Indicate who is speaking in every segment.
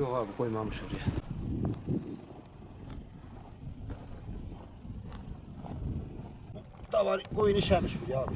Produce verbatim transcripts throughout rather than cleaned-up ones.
Speaker 1: Yok abi koymamış oraya. Da var koyun işemiş buraya abi.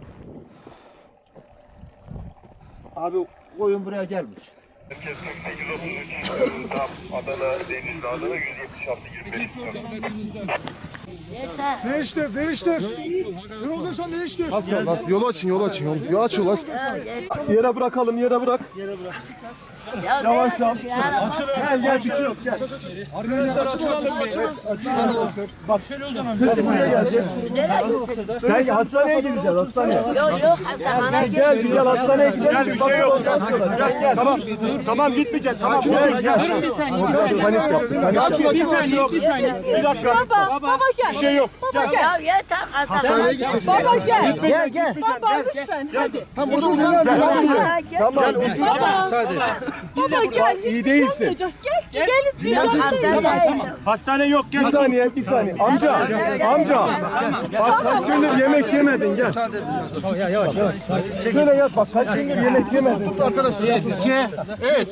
Speaker 1: Abi koyun buraya gelmiş.
Speaker 2: Herkes kırk sekiz otuz üç Adana, Denizli, Adana yüz yetmiş altı yirmi beş.
Speaker 3: Değiştir, değiştir. Ne olduysa değiştir.
Speaker 4: Bas bas bas. Yolu açın, yolu açın. Yolu, yolu aç, yolu aç.
Speaker 3: Yere bırakalım, yere bırak. Yavaş yavaş. Gel gel bir şey yok gel. Arkadaşlar açın açın açın. Bak şöyle o zaman. Buraya gelecek. Sen hastaneye gideceğiz hastaneye.
Speaker 5: Yok yok hastaneye
Speaker 3: Gel bir gel hastaneye gidelim. Gel bir şey yok. Gel gel. Tamam. Tamam gitmeyeceğiz. Tamam gel gel.
Speaker 6: Durun bir saniye.
Speaker 3: Panik yapma. Açın açın açın.
Speaker 6: Bir saniye.
Speaker 3: Bir dakika.
Speaker 6: Baba, baba gel.
Speaker 3: Bir şey yok. Gel.
Speaker 5: Ya yeter hastaneye gideceğiz.
Speaker 6: Baba gel.
Speaker 3: Gel gel.
Speaker 6: Baba lütfen hadi.
Speaker 3: Tam burada uzan. Tamam.
Speaker 6: Baba.
Speaker 3: Müsaade.
Speaker 6: Baba gel.
Speaker 3: İyi değilsin.
Speaker 6: Gel gel gelin.
Speaker 5: Hastaneye.
Speaker 3: Hastane yok gel. Bir saniye bir saniye. Amca amca. Bak kaç gündür yemek yemedin gel. Ya yavaş yavaş. Şöyle yat bak kaç gündür yemek yemedin. Tut arkadaşlar. iki, üç.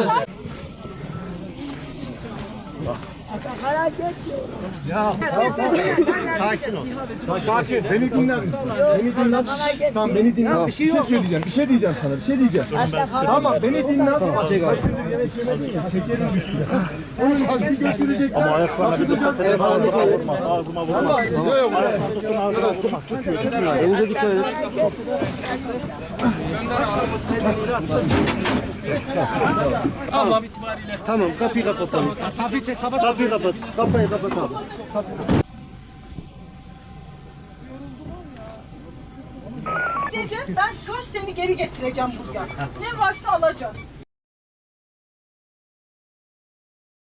Speaker 3: Ya sakin ol. Sakin. Beni dinler misin? Beni dinler. Tamam beni dinle. Bir şey söyleyeceğim. Bir şey diyeceğim sana. Bir şey diyeceğim. Tamam beni dinle. Kaç gündür yemek yemedin ya. Şekerin düştü. Onun için götürecekler. Ama ayaklarına bir dikkat edin. Ağzıma vurmaz. Ağzıma vurmaz. Yok. Elinize dikkat edin.
Speaker 6: Allah itibariyle.
Speaker 3: Tamam kapıyı kapatalım.
Speaker 6: Kapıyı çek kapat.
Speaker 3: Kapıyı kapat. Kapıyı kapatalım.
Speaker 7: Gideceğiz, ben söz seni geri getireceğim buraya. Ne varsa alacağız.